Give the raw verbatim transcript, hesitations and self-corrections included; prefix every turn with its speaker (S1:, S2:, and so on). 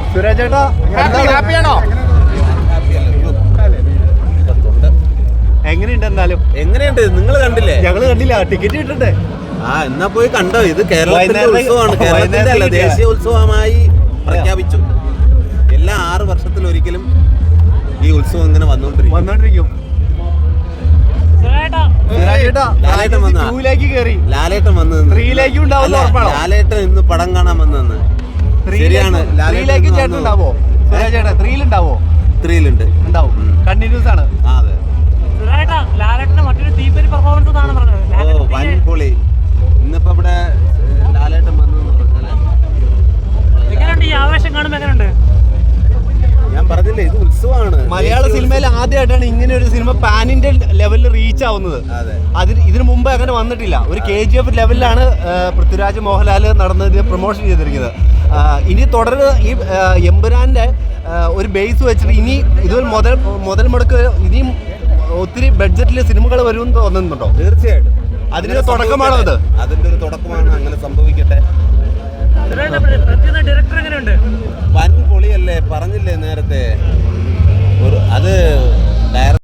S1: സുരേഷ് ചേട്ടാ ഹാപ്പിയാണോ? എങ്ങനെയുണ്ട്? എന്നാലും
S2: എങ്ങനെയുണ്ട്? നിങ്ങൾ കണ്ടില്ലേ?
S1: ഞങ്ങള് കണ്ടില്ല, ടിക്കറ്റ് കിട്ടണ്ടേ?
S2: ആ എന്നാ പോയി കണ്ടോ. ഇത് കേരളത്തിന്റെ ഉത്സവമാണ്, കേരളത്തിന്റെ അല്ല ദേശീയ ഉത്സവമായി പ്രഖ്യാപിച്ചു. എല്ലാ ആറ് വർഷത്തിലൊരിക്കലും ഈ ഉത്സവം ഇങ്ങനെ വന്നോണ്ടിരിക്കും
S1: വന്നോണ്ടിരിക്കും
S2: ലാലേട്ടൻ വന്ന ലാലേട്ടൻ വന്ന് ലാലേട്ടൻ ഇന്ന് പടം കാണാൻ വന്നെന്ന്. ശരിയാണ്, ത്രീയിലുണ്ട്,
S1: ഉണ്ടാവും, കണ്ടിന്യൂസ് ആണ്.
S2: അതെ, ഓ വൻ പൊളി. ഇന്നിപ്പോ ഇവിടെ ലാലേട്ടൻ വന്നെന്ന് പറഞ്ഞാല് ഞാൻ പറഞ്ഞില്ലേ, ഇത് ഉത്സവമാണ്.
S1: മലയാള സിനിമയിൽ ആദ്യമായിട്ടാണ് ഇങ്ങനെ ഒരു സിനിമ പാൻ ഇന്ത്യൻ ലെവലിൽ റീച്ച് ആവുന്നത്. അതിന് ഇതിനു മുമ്പ് അങ്ങനെ വന്നിട്ടില്ല. ഒരു കെ ജി എഫ് ലെവലിലാണ് പൃഥ്വിരാജ് മോഹൻലാൽ നടന്നത് പ്രൊമോഷൻ ചെയ്തിരിക്കുന്നത്. ഇനി തുടർന്ന് ഈ എമ്പുരാന്റെ ഒരു ബേസ് വെച്ചിട്ട് ഇനി ഇതുപോലെ മുതൽ മുതൽ മുടക്ക് ഇനിയും ഒത്തിരി ബഡ്ജറ്റിൽ സിനിമകൾ വരുമെന്ന് തോന്നുന്നുണ്ടോ?
S2: തീർച്ചയായിട്ടും
S1: അതിന്റെ തുടക്കമാണോ അത്?
S2: അതിന്റെ ഒരു തുടക്കമാണ്. അങ്ങനെ സംഭവിക്കട്ടെ. വൻ പൊളിയല്ലേ, പറഞ്ഞില്ലേ നേരത്തെ.